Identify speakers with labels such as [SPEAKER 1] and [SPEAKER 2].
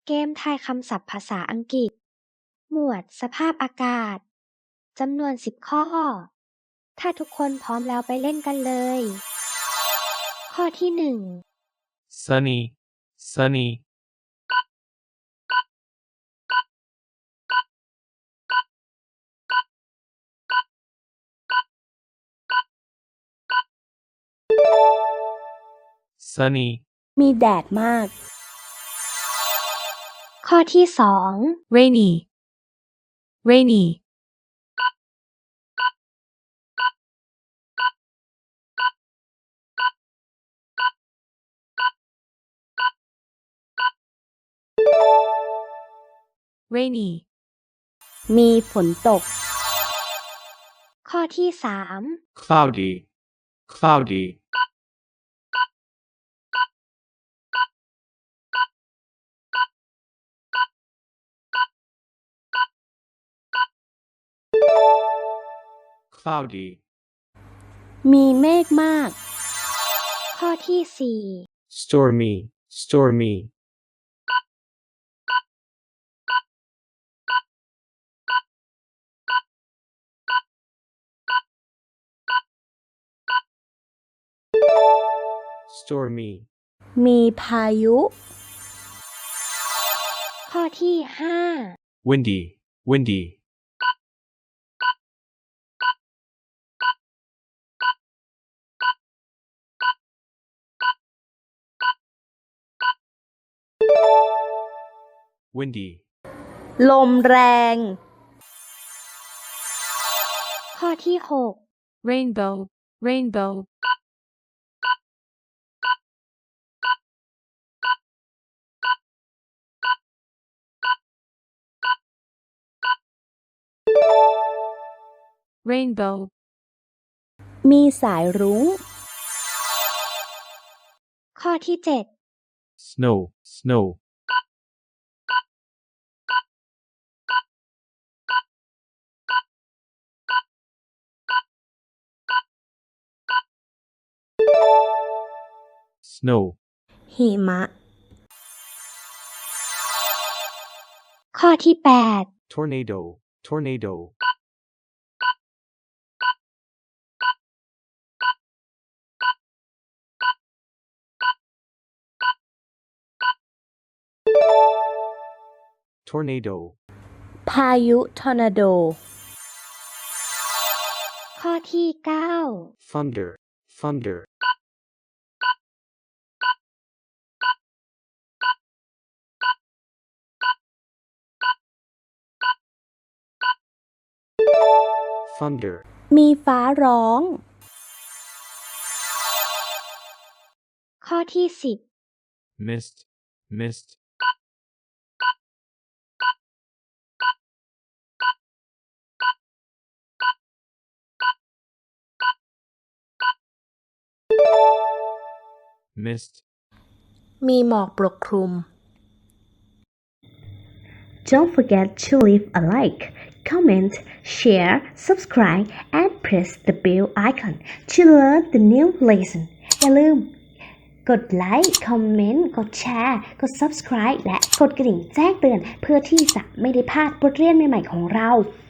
[SPEAKER 1] เกมทายคำศัพท์ภาษาอังกฤษ หมวดสภาพอากาศ จำนวน10ข้อ ถ้าทุกคนพร้อมแล้วไปเล่นกันเลย ข้อที่
[SPEAKER 2] sunny, sunny, sunny,
[SPEAKER 3] มีแดดมาก
[SPEAKER 1] 1 ข้อที่
[SPEAKER 4] rainy, rainy, rainy,
[SPEAKER 3] มีฝนตก
[SPEAKER 1] 2 ข้อที่
[SPEAKER 2] cloudy, cloudy, cloudy,
[SPEAKER 3] มีเมฆมาก
[SPEAKER 1] 3 ข้อที่
[SPEAKER 2] stormy, stormy,
[SPEAKER 1] 4
[SPEAKER 2] stormy,
[SPEAKER 3] มีพายุ
[SPEAKER 1] ข้อที่
[SPEAKER 2] windy, windy, windy,
[SPEAKER 3] ลมแรง
[SPEAKER 1] 5 ข้อที่
[SPEAKER 4] rainbow, rainbow, rainbow,
[SPEAKER 3] มีสายรุ้ง
[SPEAKER 1] 6 ข้อที่
[SPEAKER 2] snow, snow,
[SPEAKER 1] 7
[SPEAKER 2] snow,
[SPEAKER 3] หิมะ
[SPEAKER 1] ข้อที่
[SPEAKER 2] tornado, tornado,
[SPEAKER 1] 8
[SPEAKER 2] tornado,
[SPEAKER 3] พายุทอร์นาโด
[SPEAKER 1] ข้อที่
[SPEAKER 2] thunder, thunder, thunder,
[SPEAKER 3] มีฟ้าร้อง
[SPEAKER 1] 9 ข้อที่
[SPEAKER 2] mist, mist, 'mist,
[SPEAKER 3] มีหมอกปกคลุม Don't forget to leave a like, comment, share, subscribe, and press the bell icon to learn the new lesson. อย่าลืม กดไลค์ คอมเมนต์ กดแชร์ กด subscribe และกดกระดิ่งแจ้งเตือนเพื่อที่จะไม่ได้พลาดบทเรียนใหม่ๆของเรา